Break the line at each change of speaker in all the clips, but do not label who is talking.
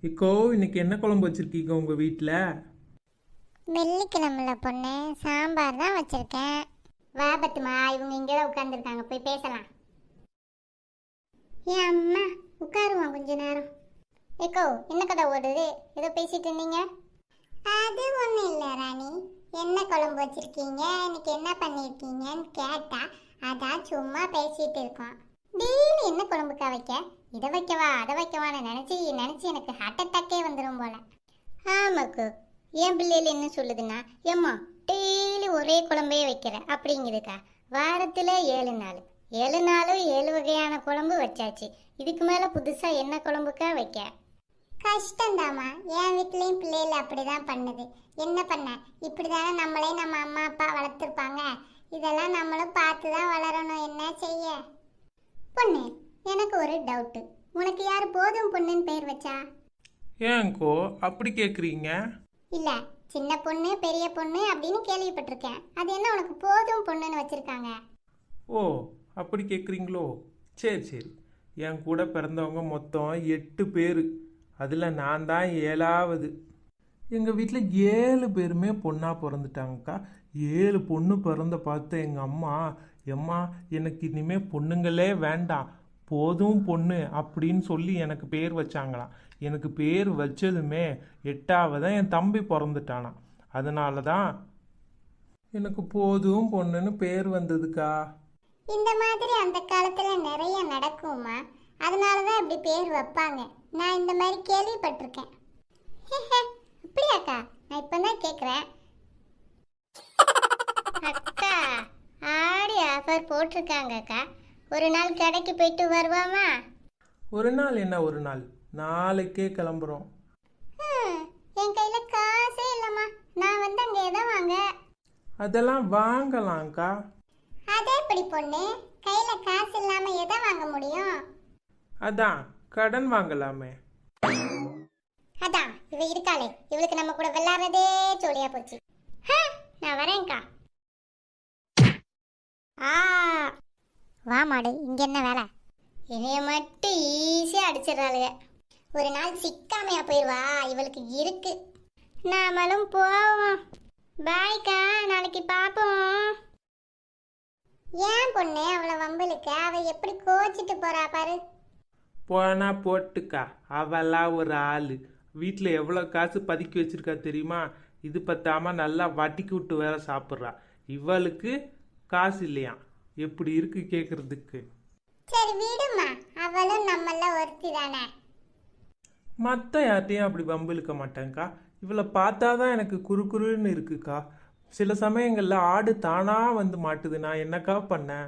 Eco இன்னைக்கு என்ன குழம்பு வச்சிருக்கீங்க உங்க வீட்டில்?
வெள்ளிக்கிழமைல பொண்ணு சாம்பார் தான் வச்சிருக்கேன். வா பத்துமா, இவங்க இங்கே தான் உட்காந்துருக்காங்க, போய் பேசலாம். ஏன் அம்மா உட்காருவோம் கொஞ்ச நேரம். ஏக்கோ என்ன கதை ஓடுது? ஏதோ பேசிட்டு இருந்தீங்க. அது ஒன்றும் இல்லை ராணி, என்ன குழம்பு வச்சிருக்கீங்க, இன்னைக்கு என்ன பண்ணியிருக்கீங்கன்னு கேட்டா அதான் சும்மா பேசிட்டு இருக்கோம். டெய்லி என்ன குழம்புக்கா வைக்க, இதை வைக்கவா அதை வைக்கவான்னு நினச்சி நினச்சி எனக்கு ஹார்ட் அட்டாக்கே வந்துடும் போல. ஆமாக்கோ, என் பிள்ளைகள் என்ன சொல்லுதுன்னா, ஏம்மா டெய்லி ஒரே குழம்பே வைக்கிற அப்படிங்குதுக்கா. வாரத்தில் 7 நாள், 7 நாளும் 7 வகையான குழம்பு வச்சாச்சு. இதுக்கு மேலே புதுசாக என்ன குழம்புக்கா வைக்க? கஷ்டந்தாம்மா, என் வீட்லேயும் பிள்ளைகள் அப்படிதான் பண்ணுது. என்ன பண்ண, இப்படி தானே நம்மளே நம்ம அம்மா அப்பா வளர்த்துருப்பாங்க. இதெல்லாம் நம்மளும் பார்த்து தான் வளரணும், என்ன செய்ய. பொண்ணு, எனக்கு ஒரு டவுட்டு. உனக்கு யார் போதும் பொண்ணுன்னு பேர் வச்சா?
ஏன்கோ அப்படி கேட்குறீங்க?
இல்ல, சின்ன பொண்ணு பெரிய பொண்ணு அப்படின்னு கேள்விப்பட்டிருக்கேன். அது என்ன உனக்கு போதும் பொண்ணுன்னு வச்சிருக்காங்க?
ஓ, அப்படி கேட்குறீங்களோ? சரி சரி. என் கூட பிறந்தவங்க மொத்தம் 8 பேர். அதில் நான் தான் 7வது. எங்கள் வீட்டில் 7 பேருமே பொண்ணாக பிறந்துட்டாங்கக்கா. 7 பொண்ணு பிறந்த பார்த்து எங்கள் அம்மா, எம்மா எனக்கு இனிமேல் பொண்ணுங்களே வேண்டாம், போதும் பொண்ணு அப்படின்னு சொல்லி எனக்கு பேர் வச்சாங்களாம். எனக்கு பேர் வச்சதுமே 8வது என் தம்பி பிறந்துட்டானான். அதனால தான் எனக்கு போதும் பொண்ணுன்னு பேர் வந்ததுக்கா.
இந்த மாதிரி அந்த காலத்துல நிறைய நடக்குமா, அதனாலதான் இப்படி பேர் வைப்பாங்க. நான் இந்த மாதிரி கேள்விப்பட்டிருக்கேன். அப்படியாக்கா? நான் இப்பதான் கேக்குறேன். அக்கா, ஆடி ஆஃபர் போட்டிருக்காங்க அக்கா. ஒரு நாள் கடைக்கு போயிட்டு வருவாமா?
ஒரு நாள் என்ன, ஒரு நாள் நாளைக்கே கிளம்புறோம்.
என் கையில காசே இல்லம்மா, நான் வந்து அங்க எதை வாங்க?
அதெல்லாம் வாங்கலாம்க்கா.
அதே எப்படி பொண்ணு, கையில காசு இல்லாம எதை வாங்க முடியும்?
அதான் கடன் வாங்கலாமே.
அதான் இவ இருக்காளே, இவளுக்கு நம்ம கூட விளையாடுறதே ஜோலியா போச்சு. நான் வரேன்க்கா. ஆ, வா மாடு, இங்க என்ன வேலை? இதைய மட்டும் ஈஸியா அடிச்சிடறாளுங்க. ஒரு நாள் சிக்காமையா போயிடுவா, இவளுக்கு இருக்கு. நாமளும் போவோம். பாய்க்கா, நாளைக்கு பாப்போம். ஏன் பொண்ணு அவளை வம்பளுக்க, அவ எப்படி கோச்சிட்டு போறா பாரு.
போனா போட்டுக்கா, அவெல்லாம் ஒரு ஆள். வீட்டில் எவ்வளோ காசு பதுக்கி வச்சிருக்கா தெரியுமா? இது பத்தாம நல்லா வட்டிக்கு விட்டு வேற சாப்பிட்றா. இவளுக்கு காசு இல்லையா? எப்படி இருக்கு கேட்கறதுக்கு?
சரி விடுமா, அவளும் நம்மள ஒருத்தி தானே.
மற்ற யார்ட்டையும் அப்படி வம்பிழுக்க மாட்டேங்க்கா. இவளை பார்த்தா தான் எனக்கு குறுகுறுன்னு இருக்குக்கா. சில சமயங்களில் ஆடு தானா வந்து மாட்டுது. நான் என்னக்கா பண்ணேன்?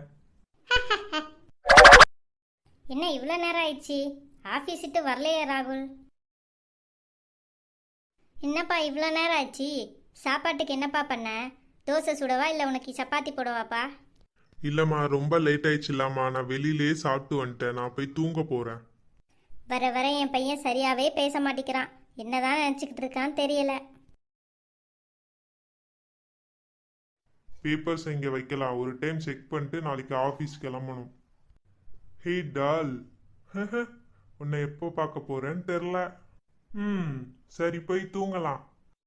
என்ன இவ்வளோ நேரம் ஆயிடுச்சு, ஆஃபீஸ் விட்டு வரலையே ராகுல்? என்னப்பா இவ்வளோ நேரம் ஆச்சு, சாப்பாட்டுக்கு என்னப்பா பண்ண? தோசை சுடவா இல்லை உனக்கு சப்பாத்தி போடவாப்பா?
இல்லம்மா, ரொம்ப லேட் ஆயிடுச்சுலாமா, நான் வெளியிலே சாப்பிட்டு வந்துட்டேன். நான் போய் தூங்க போறேன்.
வர வர என் பையன் சரியாவே பேச மாட்டேங்கிறான். என்னதான் நினச்சிக்கிட்டு இருக்கான்னு தெரியல.
பேப்பர்ஸ் இங்கே வைக்கலாம், ஒரு டைம் செக் பண்ணிட்டு நாளைக்கு ஆஃபீஸ் கிளம்பணும். ஹே டால், உன்னை எப்போ பார்க்க போறேன்னு தெரில. சரி, போய் தூங்கலாம்.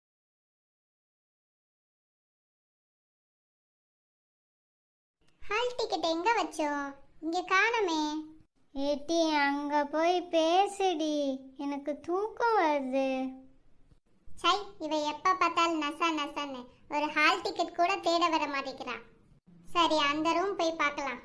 ஹால் டிக்கெட் எங்க வச்சோம்? இங்க காணமே.
ஏட்டி அங்கே போய் பேசுடி, எனக்கு தூக்கம் வருது.
சை, இவ எப்ப பார்த்தாலும் நசா நசான்னு ஒரு ஹால் டிக்கெட் கூட தேட வர மாட்டேங்கிறான். சரி, அந்த ரூம் போய் பார்க்கலாம்.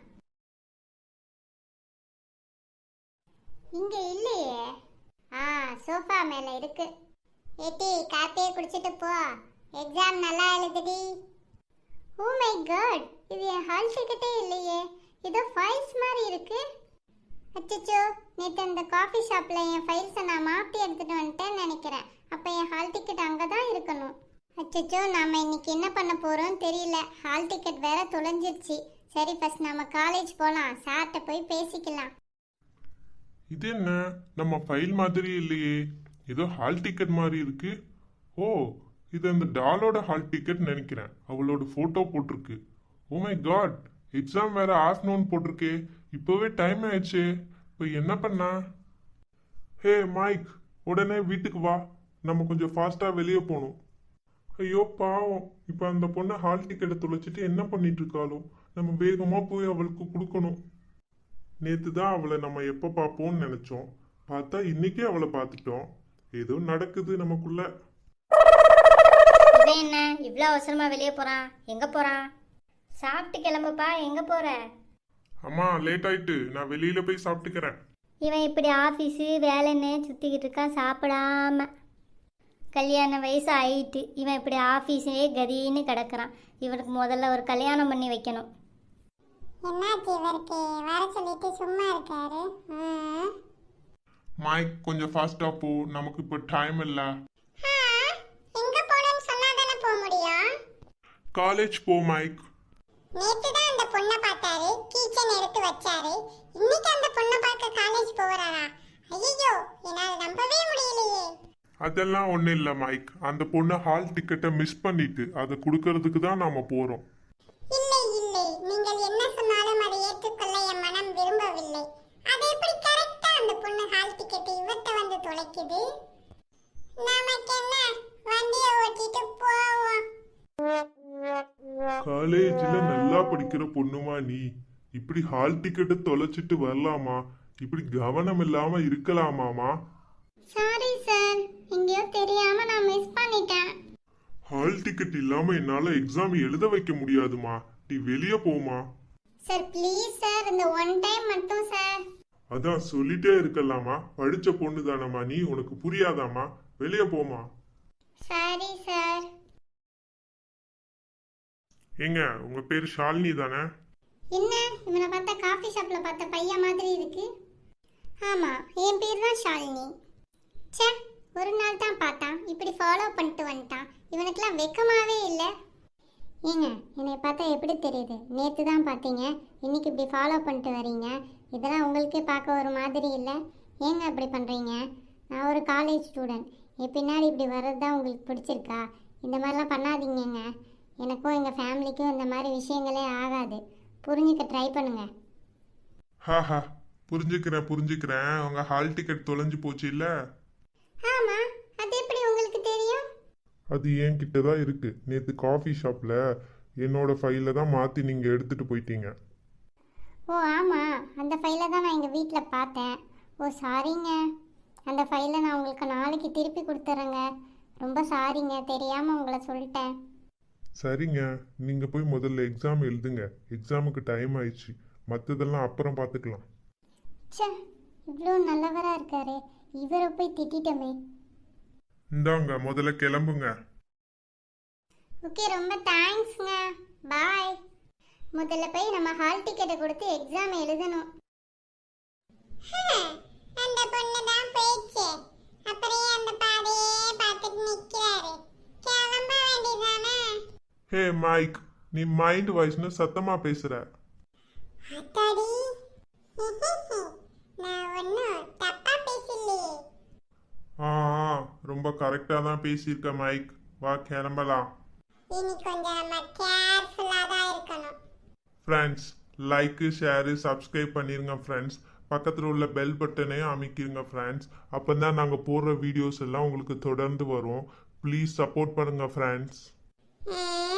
இங்க இல்லையே. சோஃபா மேல இருக்கு. ஏட்டி, காப்பியே குடிச்சிட்டு போ, எக்ஸாம் நல்லா எழுதுடி. ஓ மை காட், இது என் ஹால் டிக்கெட்டே இல்லையே, ஏதோ ஃபைல்ஸ் மாதிரி இருக்கு. அச்சச்சோ, நேற்று அந்த காஃபி ஷாப்பில் என் ஃபைல்ஸை நான் மாற்றி எடுத்துகிட்டு வந்துட்டேன்னு நினைக்கிறேன். அப்போ என் ஹால் டிக்கெட் அங்கே தான் இருக்கணும். அச்சச்சோ, நாம் இன்னைக்கு என்ன பண்ண போகிறோம் தெரியல. ஹால் டிக்கெட் வேற தொலைஞ்சிருச்சு. சரி, ஃபர்ஸ்ட் நம்ம காலேஜ் போகலாம், சார்கிட்ட போய் பேசிக்கலாம்.
இது என்ன, நம்ம ஃபைல் மாதிரி இல்லையே, ஏதோ ஹால் டிக்கெட் மாதிரி இருக்கு. ஓ, இது அந்த டாலோட ஹால் டிக்கெட் நினைக்கிறேன். அவளோட ஃபோட்டோ போட்டிருக்கு. ஓ மை காட், எக்ஸாம் வேற ஆஃப்டர்நூன் போட்டிருக்கே. இப்போவே டைம் ஆயிடுச்சு. இப்போ என்ன பண்ணா? ஹே மைக், உடனே வீட்டுக்கு வா, நம்ம கொஞ்சம் ஃபாஸ்டா வெளியே போகணும். ஐயோ பாவம், இப்ப அந்த பொண்ணை ஹால் டிக்கெட்டை தொலைச்சிட்டு என்ன பண்ணிட்டு இருக்காளோ? நம்ம வேகமா போய் அவளுக்கு கொடுக்கணும். நேத்து தான் அவளை நம்ம எப்ப பார்ப்போம்னு நினைச்சோம், பார்த்தா இன்னைக்கே அவளை பார்த்துட்டோம். ஏதோ நடக்குது நமக்குள்ள.
இவன் என்ன இவ்வளோ அவசரமா வெளியே போறான்? எங்க போறான்? சாப்பிட்டு கிளம்புப்பா. எங்க போற?
அம்மா லேட் ஆயிட்டு, நான் வெளியில போய் சாப்பிட்டுக்கிறேன்.
இவன் இப்படி ஆஃபீஸு வேலைன்னு சுற்றிக்கிட்டு இருக்கான் சாப்பிடாம. கல்யாண வயசு ஆயிட்டு இவன் இப்படி ஆஃபீஸே கதின்னு கிடக்குறான். இவனுக்கு முதல்ல ஒரு கல்யாணம் பண்ணி வைக்கணும்.
என்னாச்சு இவருக்கு? வர சொல்லிட்டு சும்மா இருக்காரு.
மைக் கொஞ்சம் ஃபாஸ்டா போ, நமக்கு இப்போ டைம் இல்ல.
எங்க போறேன்னு சொன்னாதானே போக முடியும்.
காலேஜ் போ மைக்.
நேத்து தான் அந்த பொண்ணை பார்த்தாரு, கீச்சன் எடுத்து வச்சாரு. இன்னைக்கு அந்த பொண்ணை பார்க்க காலேஜ் போறாரா? ஐயோ, என்னால நம்பவே முடியலையே.
அதெல்லாம் ஒன்றும் இல்லை மைக், அந்த பொண்ணு ஹால் டிக்கெட்டை மிஸ் பண்ணிட்டு அதை கொடுக்கறதுக்கு தான் நாம போறோம்.
இல்லை இல்லை, நீங்கள் என்ன சொன்னாலும் அதை ஏற்றுக்கொள்ள என் மனம் விரும்பவில்லை. அது எப்படி கரெக்டா அந்த பொண்ணு ஹால் டிக்கெட் இவர்கிட்ட வந்து தொலைக்குது? நமக்கு என்ன, வண்டியை ஓட்டிட்டு போவோம்.
காலேஜ்ல நல்லா படிக்கிற பொண்ணுமா நீ? இப்படி ஹால் டிக்கெட்டை தொலைச்சிட்டு வரலாமா? இப்படி கவனம் இல்லாம இருக்கலாமாமா?
சாரி சார், எங்கேயோ தெரியாம நான் மிஸ் பண்ணிட்டேன்.
ஹால் டிக்கெட் இல்லாம என்னால எக்ஸாம் எழுத வைக்க முடியாதுமா, நீ வெளியே போமா.
சார் ப்ளீஸ் சார், இந்த ஒன் டைம் மட்டும் சார்.
அதான் சொல்லிட்டே இருக்கலாமா, படிச்ச பொண்ணு தானம்மா நீ, உனக்கு புரியாதாமா? வெளியே போமா.
Sorry sir.
ஏங்க உங்க பேர் ஷாலினி தானே?
என்ன, இவனை பார்த்தா காஃபி ஷாப்ல பார்த்த பையன் மாதிரி இருக்கு. ஆமா, என் பேர் தான் ஷாலினி. ச்சே, ஒரு நாள் தான் பார்த்தான், இப்படி ஃபாலோ பண்ணிட்டு வந்துட்டான். இவனுக்கெல்லாம் வெக்கமாவே இல்லை. ஏங்க, என்னை பார்த்தா எப்படி தெரியுது? நேற்று தான் பார்த்தீங்க, இன்னைக்கு இப்படி ஃபாலோ பண்ணிட்டு வரீங்க. இதெல்லாம் உங்களுக்கே பார்க்க ஒரு மாதிரி இல்லை. ஏங்க அப்படி பண்ணுறீங்க? நான் ஒரு காலேஜ் ஸ்டூடெண்ட். என் பின்னாடி இப்படி வர்றது தான் உங்களுக்கு பிடிச்சிருக்கா? இந்த மாதிரிலாம் பண்ணாதீங்கங்க. எனக்கும் எங்கள் ஃபேமிலிக்கும் இந்த மாதிரி விஷயங்களே ஆகாது. புரிஞ்சுக்க ட்ரை பண்ணுங்க.
ஹாஹா, புரிஞ்சுக்கிறேன். உங்க ஹால் டிக்கெட் தொலைஞ்சு போச்சு இல்ல?
ஆமா, அது எப்படி உங்களுக்கு தெரியும்?
அது என்கிட்ட தான் இருக்கு. நேத்து காஃபி ஷாப்ல என்னோட ஃபைல தான் மாத்தி நீங்க எடுத்துட்டு போயிட்டீங்க.
ஓ ஆமாம், அந்த ஃபைலை தான் நான் எங்கள் வீட்டில் பார்த்தேன். ஓ சாரிங்க, அந்த ஃபைலை நான் உங்களுக்கு நாளைக்கு திருப்பி கொடுத்துட்றேங்க. ரொம்ப சாரிங்க, தெரியாமல் உங்களை சொல்லிட்டேன்.
சரிங்க, நீங்க போய் முதல்ல எக்ஸாம் எழுதுங்க. எக்ஸாமுக்கு டைம் ஆயிடுச்சு, மற்றதெல்லாம் அப்புறம் பார்த்துக்கலாம்.
ச்சே, இவ்வளோ நல்லவராக இருக்காரு, இவரை போய் திட்டிட்டோமே.
இந்தாங்க முதல்ல கிளம்புங்க.
ஓகே, ரொம்ப தேங்க்ஸ்ங்க. பாய். முதல்ல போய் நம்ம ஹால் டிக்கெட்டை கொடுத்து எக்ஸாம் எழுதணும். அந்த பொண்ணு தான் போயிடுச்சு, அப்புறம் அந்த பாதையே பார்த்துட்டு நிற்கிறாரு. கிளம்ப வேண்டியதானே?
ஹே மைக், நீ மைண்ட் வாய்ஸ்னு சத்தமா பேசுற.
அத்தாடி, நான் ஒன்றும் தப்பா பேசலையே.
ஆ ரொம்ப கரெக்டா தான் பேசியிருக்க மைக். வா கிளம்பலாம்.
இனி கொஞ்சம் நம்ம கேர்ஃபுல்லாக தான் இருக்கணும்.
ஃப்ரெண்ட்ஸ், லைக்கு ஷேரு சப்ஸ்கிரைப் பண்ணிருங்க ஃப்ரெண்ட்ஸ். பக்கத்தில் உள்ள பெல் பட்டனையும் அமைக்கிருங்க ஃப்ரெண்ட்ஸ். அப்போ தான் நாங்கள் போடுற வீடியோஸ் எல்லாம் உங்களுக்கு தொடர்ந்து வரும். ப்ளீஸ் சப்போர்ட் பண்ணுங்க ஃப்ரெண்ட்ஸ்.